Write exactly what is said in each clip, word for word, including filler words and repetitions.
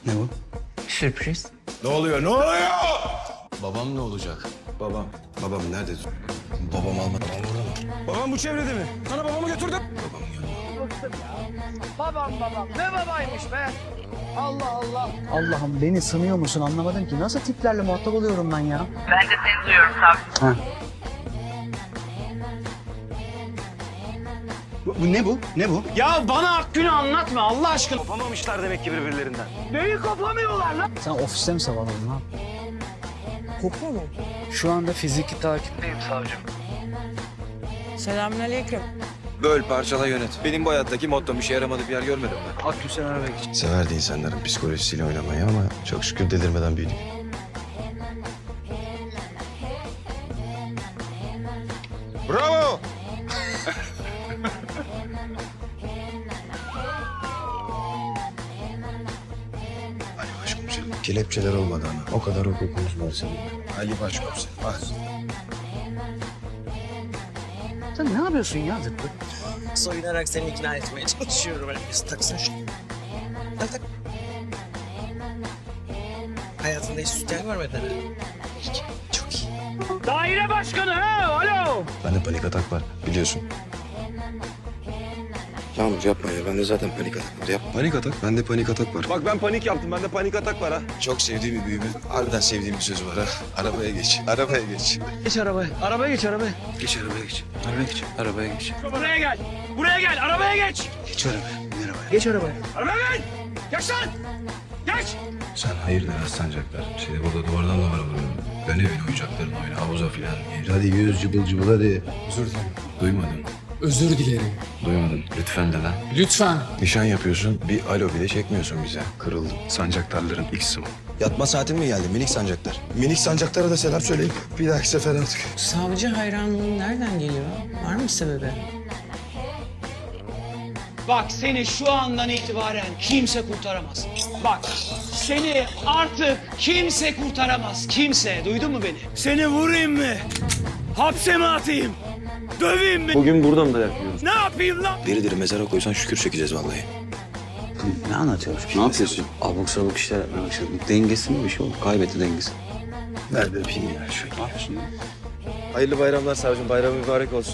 Ne bu? Sürpriz. Ne oluyor? Ne oluyor? Babam ne olacak? Babam. Babam nerede? Babam almadı. Babam bu çevrede mi? Sana babamı götürdüm. Babam babam. Ne babaymış be? Allah Allah. Allah'ım beni sanıyor musun anlamadım ki. Nasıl tiplerle muhatap oluyorum ben ya? Ben de seni duyuyorum tabii. Ha. Bu, bu ne bu? Ne bu? Ya bana Akgün'ü anlatma Allah aşkına. Kopamamışlar demek ki birbirlerinden. Neyi kopamıyorlar lan? Sen ofiste mi savalladın lan? Kopuyor mu? Şu anda fiziki takipteyim savcım. Selamünaleyküm. Böl, parçala, yönet. Benim bu hayattaki mottom işe yaramadı bir yer görmedim ben. Akgün sen arabaya geç. Severdi insanların psikolojisiyle oynamayı ama çok şükür delirmeden büyüdük. Bravo! Ali Başkomiserim. Kelepçeler olmadı ama. O kadar hukukumuz var senin. Ali Başkomiserim. Bak. Sen ne yapıyorsun ya zıttı? Soyunarak seni ikna etmeye çalışıyorum. Öyle bir taksana şunu. Tak tak. Hayatında hiç sütyen görmedin ha? Çok iyi. Daire başkanı ha alo. Bende panik atak var biliyorsun. Yağmur yapma ya. Bende zaten panik atak var. Yap. Panik atak? Bende panik atak var. Bak ben panik yaptım. Bende panik atak var ha. Çok sevdiğim bir büyümün, harbiden sevdiğim bir sözü var ha. Arabaya geç. Arabaya geç. Geç arabaya. Arabaya geç arabaya. Geç arabaya geç. Arabaya geç. Arabaya geç. Buraya gel. Buraya gel arabaya geç. Geç arabaya. Bin arabaya. Geç arabaya. Arabaya gel. Geç lan. Geç. Sen hayırdır aslanacaklar. Seni burada duvardan duvara vuruyorum. Ben evin oyuncaklarını oyna. Havuza filan. Hadi yüz cıbıl cıbıl hadi. Özür dilerim. Duymadım. Özür dilerim. Duymadım. Lütfen de lan. Lütfen. Nişan yapıyorsun. Bir alo bile çekmiyorsun bize. Kırıldım. Sancaktarların X'i bu. Yatma saatin mi geldi minik sancaktar? Minik sancaklara da selam söyleyin. Bir dahaki sefer artık. Savcı hayranlığın nereden geliyor? Var mı sebebi? Bak seni şu andan itibaren kimse kurtaramaz. Bak seni artık kimse kurtaramaz. Kimse. Duydun mu beni? Seni vurayım mı? Hapse mi atayım? Döveyim mi? Bugün buradan da yakıyoruz. Ne yapayım lan? Diri diri mezara koysan şükür çekeceğiz vallahi. Ne anlatıyorsun? Ne yapıyorsun? Abuk sabuk işler yapmaya başladın. Dengesi mi bir şey oldu? Kaybetti dengesi. Ver bir öpeyim ya. Şöyle. Ne yapıyorsun ya? Hayırlı bayramlar savcım. Bayram mübarek olsun.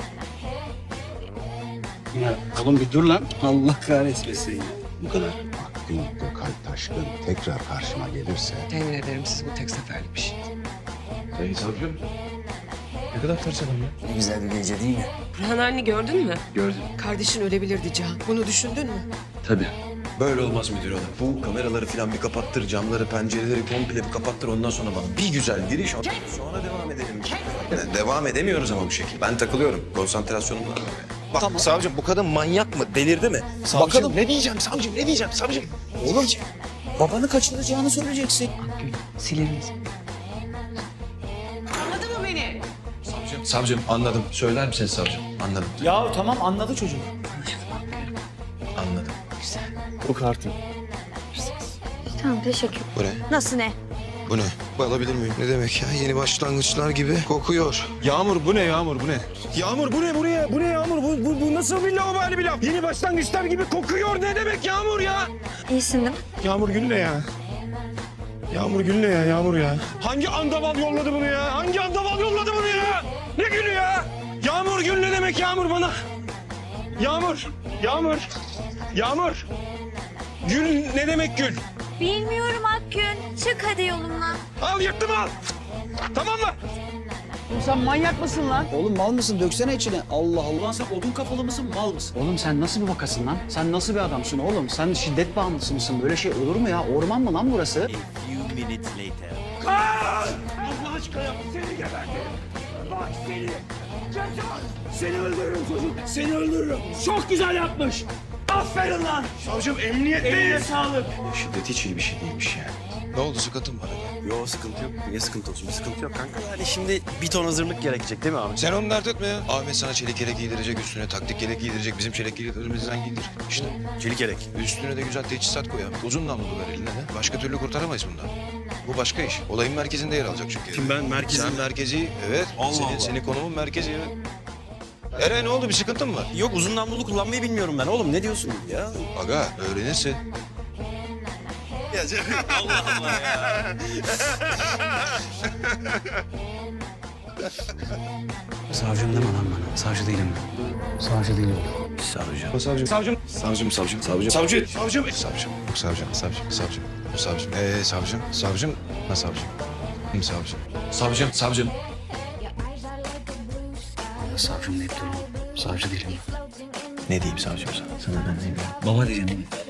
Ya oğlum bir dur lan. Allah kahretmesin ya. Bu kadar. Akgün Gökalp Taşkın tekrar karşıma gelirse Temin ederim siz bu tek seferlik bir şey. Sayın savcım. Ne kadar ters adam ya. Ne güzel bir gece değil mi? Burhan anne gördün mü? Gördüm. Kardeşin ölebilirdi Can. Bunu düşündün mü? Tabii. Böyle olmaz müdür hanım. Bu kameraları falan bir kapattır, camları, pencereleri komple bir kapattır. Ondan sonra bana bir güzel giriş. Sonra devam edelim. Yani devam edemiyoruz ama bu şekilde. Ben takılıyorum. Konsantrasyonum var. Bak savcım bu kadın manyak mı? Delirdi mi? Bakalım. ne diyeceğim savcım ne diyeceğim savcım? Oğlum babanı kaçıracağını söyleyeceksin. Akgün siler misin? Anladın mı beni? Savcım, savcım anladım. Söyler misiniz savcım? Anladım. Ya tamam anladı çocuk. Anladım. Bu kartın. Tamam teşekkür. Bu ne? Nasıl ne? Bu ne? Bu alabilir miyim? Ne demek ya? Yeni başlangıçlar gibi kokuyor. Yağmur bu ne Yağmur bu ne? Yağmur bu ne bu ne? Bu ne Yağmur? Bu, bu, bu nasıl bir lavabali bir laf? Yeni başlangıçlar gibi kokuyor ne demek Yağmur ya? İyisin değil mi? Yağmur Gül ne ya? Yağmur Gül ne ya Yağmur ya? Hangi andaval yolladı bunu ya? Hangi andaval yolladı bunu ya? Ne gülü ya? Yağmur Gül ne demek Yağmur bana? Yağmur, Yağmur, Yağmur. Gül ne demek gül? Bilmiyorum Akgün. Çık hadi yolumdan. Al yırttım al. Tamam mı? Sen manyak mısın lan? Oğlum mal mısın? Döksene içine. Allah Allah. Sen odun kafalı mısın? Mal mısın? Oğlum sen nasıl bir vakasın lan? Sen nasıl bir adamsın oğlum? Sen şiddet bağımlısı mısın? Böyle şey olur mu ya? Orman mı lan burası? Kaç! Allah aşkına yap. Seni gebertirim. Bak seni. Cezan. Seni öldürürüm çocuk. Seni öldürürüm. Çok güzel yapmış. Aferin lan. Savcım emniyetteyiz. Eline sağlık. Şiddet hiç iyi bir şey değilmiş yani. Ne oldu sıkıntın var mı? Yok sıkıntı yok. Niye sıkıntı olsun? Bir sıkıntı yok kanka. Yani şimdi bir ton hazırlık gerekecek değil mi abi? Sen onu dert etme ya. Ahmet sana çelik yelek giydirecek, üstüne taktik yelek giydirecek. Bizim çelik yeleklerimizden giydir. İşte Çelik yelek. üstüne de güzel teçhizat koy ya. Uzun namlulu ver eline. he? Başka türlü kurtaramayız bundan. Bu başka iş. Olayın merkezinde yer alacak çünkü. Kim ben? Merkezim. Sen merkezi, evet. Allah senin, Allah. senin konumun merkezi, evet. Eray ne oldu? Bir sıkıntın mı var? Yok uzun namlulu kullanmayı bilmiyorum ben. Oğlum ne diyorsun ya? Aga öğrenirsin. ya canım. Allah Allah ya. Savcım deme lan bana. Savcı değilim ben. Savcı değilim. Savcı. Savcım. Savcım. Savcım, savcım, savcım. Savcı. Savcım. Savcım. Yok savcım, savcım, savcım. Bu savcım. Ee savcım, savcım. Ne savcım? Kim savcım? Savcım, savcım. Ya savcım deyip durma. Savcı değilim ben. Ne diyeyim savcım sana? Sana ben ne diyeyim? Baba diyeceğim.